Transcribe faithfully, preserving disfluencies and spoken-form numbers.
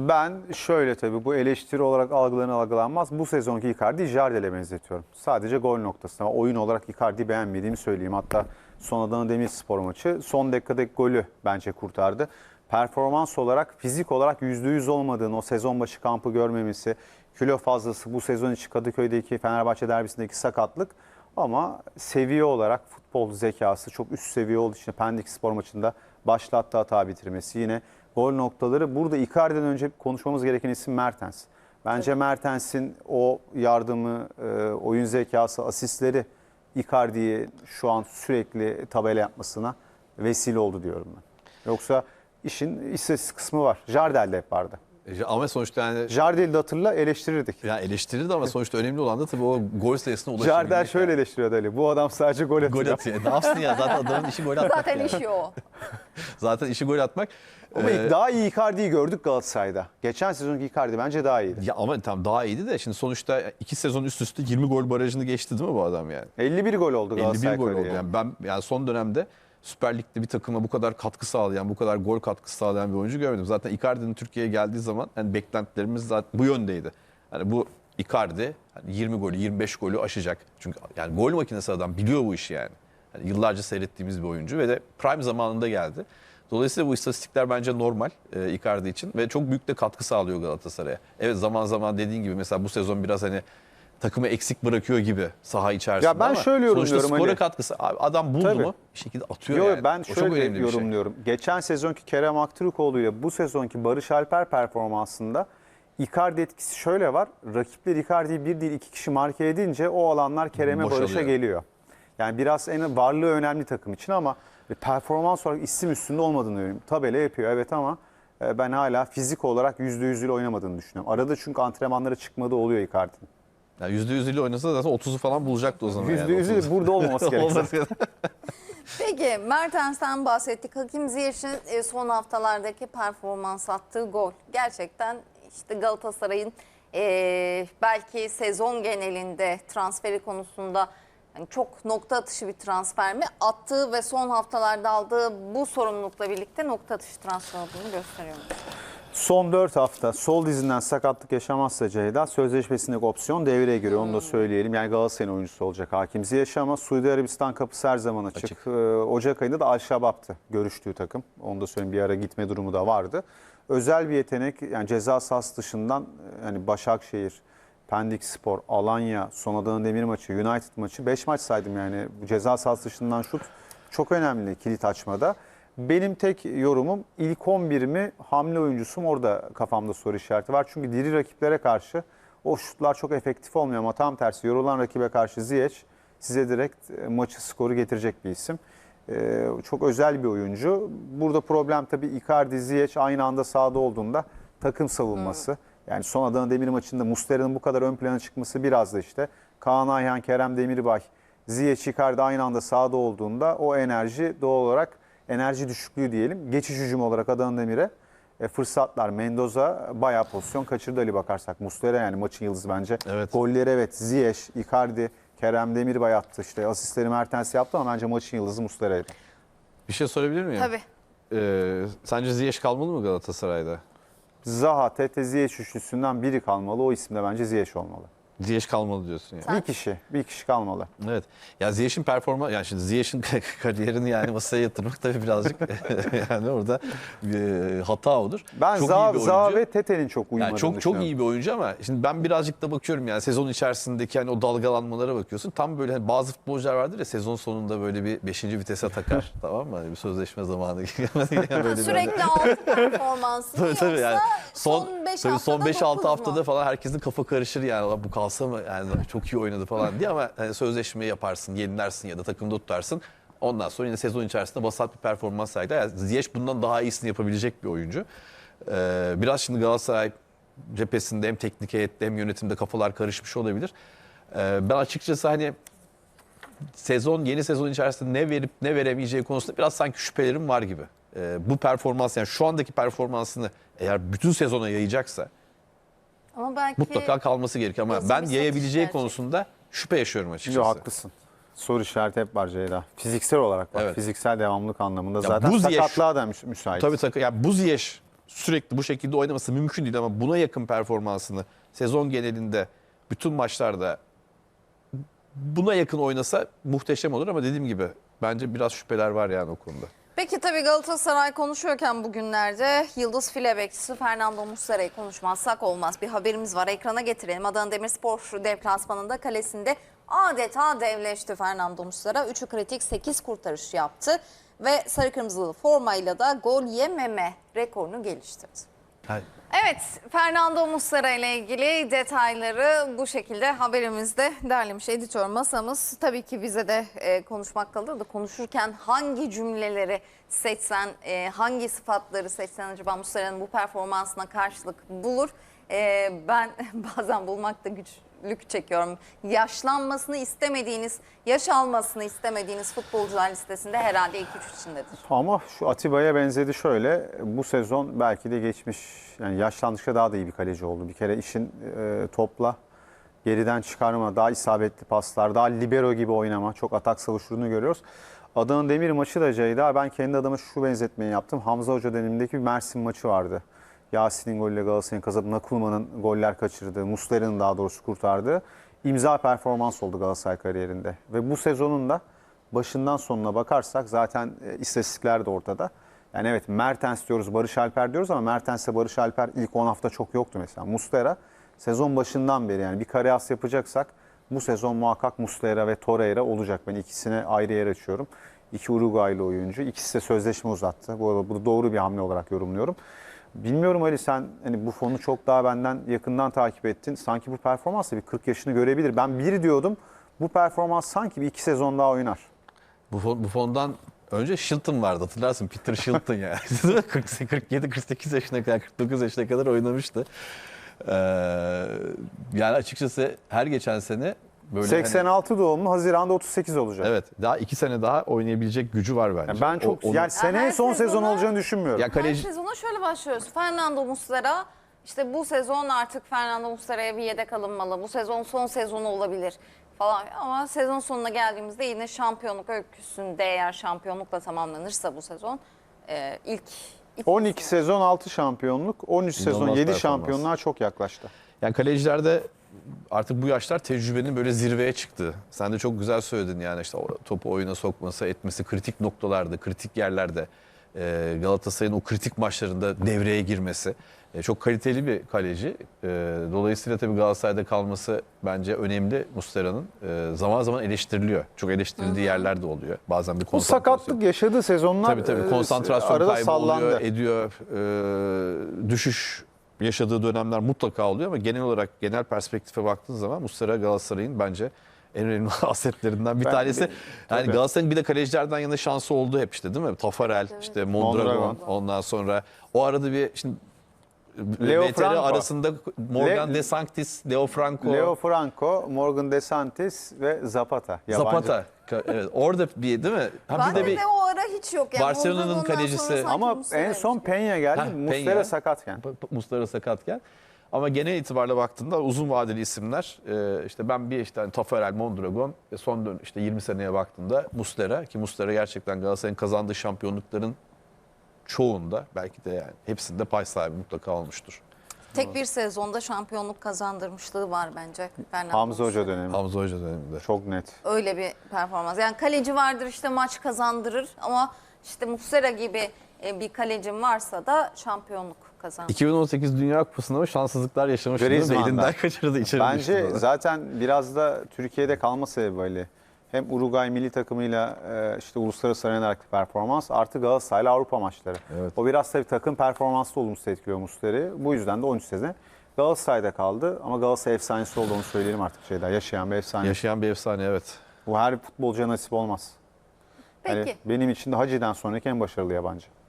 Ben şöyle tabii bu eleştiri olarak algılanır algılanmaz. Bu sezonki Icardi'yi Jardel'e benzetiyorum. Sadece gol noktasında. Oyun olarak Icardi'yi beğenmediğimi söyleyeyim. Hatta son Adana Demirspor maçı son dakikadaki golü bence kurtardı. Performans olarak, fizik olarak yüzde yüz olmadığını, o sezon başı kampı görmemesi, kilo fazlası, bu sezon içi Kadıköy'deki Fenerbahçe derbisindeki sakatlık. Ama seviye olarak futbol zekası çok üst seviye olduğu için Pendik Spor maçında başlattı hata bitirmesi. Yine gol noktaları. Burada Icardi'den önce konuşmamız gereken isim Mertens. Bence Mertens'in o yardımı, oyun zekası, asistleri Icardi'yi şu an sürekli tabela yapmasına vesile oldu diyorum ben. Yoksa işin istatistik kısmı var. Jardel'de hep vardı. Ama sonuçta yani... Jardel'i de hatırla eleştirirdik. Ya eleştirirdi ama sonuçta önemli olan da tabii o gol sayısına ulaşabilmek. Jardel şöyle yani eleştiriyordu Ali. Bu adam sadece gol atıyor. Gol atıyor. Ne yapsın ya? Zaten adamın işi gol atmak. Zaten yani. işi o. Zaten işi gol atmak. Ama ee, daha iyi Icardi'yi gördük Galatasaray'da. Geçen sezonki Icardi bence daha iyiydi. Ya ama tam daha iyiydi de şimdi sonuçta iki sezon üst üste yirmi gol barajını geçti değil mi bu adam yani? elli bir gol oldu Galatasaray. elli bir gol oldu. Yani ben yani son dönemde Süper Lig'de bir takıma bu kadar katkı sağlayan, bu kadar gol katkısı sağlayan bir oyuncu görmedim. Zaten Icardi'nin Türkiye'ye geldiği zaman yani beklentilerimiz zaten bu yöndeydi. Yani bu Icardi hani yirmi golü, yirmi beş golü aşacak. Çünkü yani gol makinesi adam, biliyor bu işi yani. Yani yıllarca seyrettiğimiz bir oyuncu ve de prime zamanında geldi. Dolayısıyla bu istatistikler bence normal e, Icardi için ve çok büyük de katkı sağlıyor Galatasaray'a. Evet, zaman zaman dediğin gibi mesela bu sezon biraz hani takımı eksik bırakıyor gibi saha içerisinde ya ben ama şöyle sonuçta yorumluyorum skora Ali. katkısı. Abi adam buldu Tabii. mu bir şekilde atıyor Yo, yani. Ben O çok şöyle önemli bir şey. yorumluyorum. Geçen sezonki Kerem Aktürkoğlu ile bu sezonki Barış Alper performansında Icardi etkisi şöyle var. Rakipler Icardi'yi bir değil iki kişi marke edince o alanlar Kerem'e, Boşalıyor. Barış'a geliyor. Yani biraz en varlığı önemli takım için ama performans olarak isim üstünde olmadığını görüyorum. Tabela yapıyor evet ama ben hala fizik olarak yüzde yüz ile oynamadığını düşünüyorum. Arada çünkü antrenmanlara çıkmadığı oluyor Icardi'nin. Yani yüzde yüz ile oynasa zaten otuzu falan bulacaktı o zaman. yüzde yüz yani, ile burada olmaması gerekiyor. Peki Mertens'ten bahsettik. Hakim Ziyech'in son haftalardaki performans attığı gol. Gerçekten işte Galatasaray'ın e, belki sezon genelinde transferi konusunda yani çok nokta atışı bir transfer mi? Attığı ve son haftalarda aldığı bu sorumlulukla birlikte nokta atışı transfer olduğunu gösteriyor. Son dört hafta sol dizinden sakatlık yaşamazsa Ceyda sözleşmesindeki opsiyon devreye giriyor. Onu da söyleyelim. Yani Galatasaray'ın oyuncusu olacak Hakim Ziyech ama Suudi Arabistan kapısı her zaman açık. açık. Ee, Ocak ayında da Al-Şabab'tı görüştüğü takım. Onu da söyleyeyim, bir ara gitme durumu da vardı. Özel bir yetenek, yani ceza sahası dışından yani Başakşehir, Pendik Spor, Alanya, son Adana Demir maçı, United maçı beş maç saydım yani. Bu ceza sahası dışından şut çok önemli kilit açmada. Benim tek yorumum ilk on bir mi hamle oyuncusu mu, orada kafamda soru işareti var. Çünkü diri rakiplere karşı o şutlar çok efektif olmuyor ama tam tersi yorulan rakibe karşı Ziyech size direkt maçı, skoru getirecek bir isim. Ee, çok özel bir oyuncu. Burada problem tabii Icardi, Ziyech aynı anda sahada olduğunda takım savunması. Hmm. Yani son Adana Demir maçında Muslera'nın bu kadar ön plana çıkması biraz da işte Kaan Ayhan, Kerem Demirbay, Ziyech, Icardi aynı anda sahada olduğunda o enerji doğal olarak enerji düşüklüğü diyelim. Geçiş hücum olarak Adana Demir'e e, fırsatlar. Mendoza bayağı pozisyon kaçırdı Ali bakarsak. Muslera yani maçın yıldızı bence. Evet. Golleri evet Ziyech, Icardi, Kerem Demirbay attı. İşte asistleri Mertens yaptı ama bence maçın yıldızı Muslera'ydı. Bir şey sorabilir miyim? Tabii. Ee, sence Ziyech kalmalı mı Galatasaray'da? Zaha, Tete, Ziyech üçlüsünden biri kalmalı. O isim de bence Ziyech olmalı. Ziyech kalmalı diyorsun yani. Bir kişi, bir kişi kalmalı. Evet. Ya Ziyech'in performansı, yani şimdi Ziyech'in kariyerini yani masaya yatırmak tabii birazcık yani orada bir hata olur. Ben çok Zaha, iyi bir Zaha oyuncu. ve Tete'nin çok uyumadığını Yani çok çok düşünüyorum. iyi bir oyuncu ama şimdi ben birazcık da bakıyorum yani sezon içerisindeki hani o dalgalanmalara bakıyorsun. Tam böyle hani bazı futbolcular vardır ya sezon sonunda böyle bir beşinci vitese takar tamam mı? Hani bir sözleşme zamanı yani böyle Sürekli altı performansı tabii, yoksa tabii yani son son son beş altı haftada mu? falan herkesin kafa karışır yani bu kalsa mı yani çok iyi oynadı falan diye ama hani sözleşmeyi yaparsın, yenilersin ya da takımda tutarsın. Ondan sonra yine sezon içerisinde vasat bir performans sergiler. Yani Ziyech bundan daha iyisini yapabilecek bir oyuncu. Ee, biraz şimdi Galatasaray cephesinde hem teknik heyette hem yönetimde kafalar karışmış olabilir. Ee, ben açıkçası hani sezon yeni sezon içerisinde ne verip ne veremeyeceği konusunda biraz sanki şüphelerim var gibi. Ee, bu performans yani şu andaki performansını eğer bütün sezona yayacaksa Ama belki mutlaka kalması gerekiyor ama Nasıl ben bir yayabileceği satış konusunda şüphe yaşıyorum açıkçası. Yok, haklısın. Soru işareti hep var Ceyda. Fiziksel olarak var. Evet. Fiziksel devamlılık anlamında Ya zaten bu Ziyech- sakatlığa da müs- müsait. Tabii tabii. Yani bu Ziyech sürekli bu şekilde oynaması mümkün değil ama buna yakın performansını sezon genelinde bütün maçlarda buna yakın oynasa muhteşem olur ama dediğim gibi bence biraz şüpheler var yani o konuda. Peki tabii Galatasaray konuşuyorken bugünlerde Yıldız file bekçisi Fernando Muslera'yı konuşmazsak olmaz. Bir haberimiz var, ekrana getirelim. Adana Demirspor deplasmanında kalesinde adeta devleşti Fernando Muslera. üçü kritik, sekiz kurtarış yaptı ve sarı kırmızılı formayla da gol yememe rekorunu geliştirdi. Yani Evet, Fernando Muslera ile ilgili detayları bu şekilde haberimizde derlemiş editör masamız. Tabii ki bize de e, konuşmak kalır da konuşurken hangi cümleleri seçsen, e, hangi sıfatları seçsen acaba Muslera'nın bu performansına karşılık bulur? E, ben bazen bulmakta güçlük çekiyorum. Yaşlanmasını istemediğiniz, yaş almasını istemediğiniz futbolcular listesinde herhalde ilk üç içindedir. Ama şu Atiba'ya benzedi şöyle. Bu sezon belki de geçmiş, yani yaşlandıkça daha da iyi bir kaleci oldu. Bir kere işin e, topla, geriden çıkarma, daha isabetli paslar, daha libero gibi oynama, çok atak savuşturduğunu görüyoruz. Adana Demir maçı da Ceyda, ben kendi adıma şu benzetmeyi yaptım. Hamza Hoca dönemindeki bir Mersin maçı vardı. Yasin'in golüyle Galatasaray'ın kazanıp Nakulman'ın goller kaçırdığı, Muslera'nın daha doğrusu kurtardığı imza performans oldu Galatasaray kariyerinde. Ve bu sezonun da başından sonuna bakarsak zaten e, istatistikler de ortada. Yani evet, Mertens diyoruz, Barış Alper diyoruz ama Mertens'le Barış Alper ilk on hafta çok yoktu mesela. Muslera sezon başından beri, yani bir kare as yapacaksak bu sezon muhakkak Muslera ve Torreira olacak. Ben ikisine ayrı yer açıyorum. İki Uruguaylı oyuncu. İkisi de sözleşme uzattı. Bu arada bunu doğru bir hamle olarak yorumluyorum. Bilmiyorum Ali, sen hani bu fonu çok daha benden yakından takip ettin. Sanki bu performansla bir kırk yaşını görebilir. Ben bir diyordum, bu performans sanki bir iki sezon daha oynar. bu, fon, bu fondan önce Shilton vardı, hatırlarsın, Peter Shilton yani. kırk yedi kırk sekiz yaşına kadar, kırk dokuz yaşına kadar oynamıştı. Ee, yani açıkçası her geçen sene böyle seksen altı doğumlu, Haziran'da otuz sekiz olacak. hani, evet, daha iki sene daha oynayabilecek gücü var bence. Yani ben çok O- onu- yani seneye her son sezon sezona- olacağını düşünmüyorum. ya Her kaleci sezona şöyle başlıyoruz. Fernando Muslera, işte bu sezon artık Fernando Muslera'ya bir yedek alınmalı. Bu sezon son sezonu olabilir falan. Ama sezon sonuna geldiğimizde yine şampiyonluk öyküsünde, eğer şampiyonlukla tamamlanırsa bu sezon e, ilk on iki sezon altı şampiyonluk, on üç sezon İnanılmaz yedi performans. şampiyonluğa çok yaklaştı. Yani kalecilerde artık bu yaşlar tecrübenin böyle zirveye çıktı. Sen de çok güzel söyledin yani, işte o topu oyuna sokması, etmesi, kritik noktalarda, kritik yerlerde, e, Galatasaray'ın o kritik maçlarında devreye girmesi. E, çok kaliteli bir kaleci. E, dolayısıyla tabii Galatasaray'da kalması bence önemli Muslera'nın. E, zaman zaman eleştiriliyor. Çok eleştirildiği yerler de oluyor. Bazen bir Bu konsantrasyon. sakatlık yaşadığı sezonlar Tabii tabii, e, konsantrasyon arada kaybı sallandı. oluyor, ediyor. E, düşüş yaşadığı dönemler mutlaka oluyor ama genel olarak, genel perspektife baktığın zaman Muslera Galatasaray'ın bence en önemli asetlerinden bir Ben- tanesi. bir- Yani tabii. Galatasaray'ın bir de kalecilerden yana şansı oldu hep, işte değil mi? Tafarel, işte Mondragon, Mondragon. ondan sonra o arada bir şimdi Leo V T R Franco. arasında Morgan Le- De Sanctis, Leo Franco, Leo Franco, Morgan De Santis ve Zapata. Yabancı. Zapata. Evet, orada bir değil mi? Ha, Ben bir de de, bir o ara hiç yok. Yani Barcelona'nın Mondragon'dan kalecisi. sonra sanki Ama Muslera en son Peña geldi, Heh, Muslera Peña. sakatken. Muslera sakatken. Ama genel itibariyle baktığında uzun vadeli isimler, e, işte ben bir işte hani Tafarel, Mondragon ve son dön işte yirmi seneye baktığımda Muslera, ki Muslera gerçekten Galatasaray'ın kazandığı şampiyonlukların çoğunda, belki de yani hepsinde pay sahibi mutlaka olmuştur. tek bir sezonda şampiyonluk kazandırmışlığı var bence Fernando Hamza Hoca Muslera. dönemi. Hamza Hoca döneminde. Çok net. Öyle bir performans. Yani kaleci vardır işte maç kazandırır ama işte Muslera gibi e, bir kalecim varsa da şampiyonluk kazandırır. iki bin on sekiz Dünya Kupası'nda ama şanssızlıklar yaşamıştı. Griezmann'dan. Elinden kaçırdı, içeri Bence düştü. zaten biraz da Türkiye'de kalma sebebi Ali. Hem Uruguay milli takımıyla e, işte uluslararası arenadaki performans, artı Galatasaray'la Avrupa maçları. Evet. O biraz tabii takım performansı olumsuz etkiliyor Muslera'yı. Bu yüzden de on üç sene Galatasaray'da kaldı. Ama Galatasaray efsanesi olduğunu söyleyelim artık şeyler. Yaşayan bir efsane. Yaşayan bir efsane, evet. Bu her futbolcuya nasip olmaz. Peki. Yani benim için de Hacı'den sonraki en başarılı yabancı.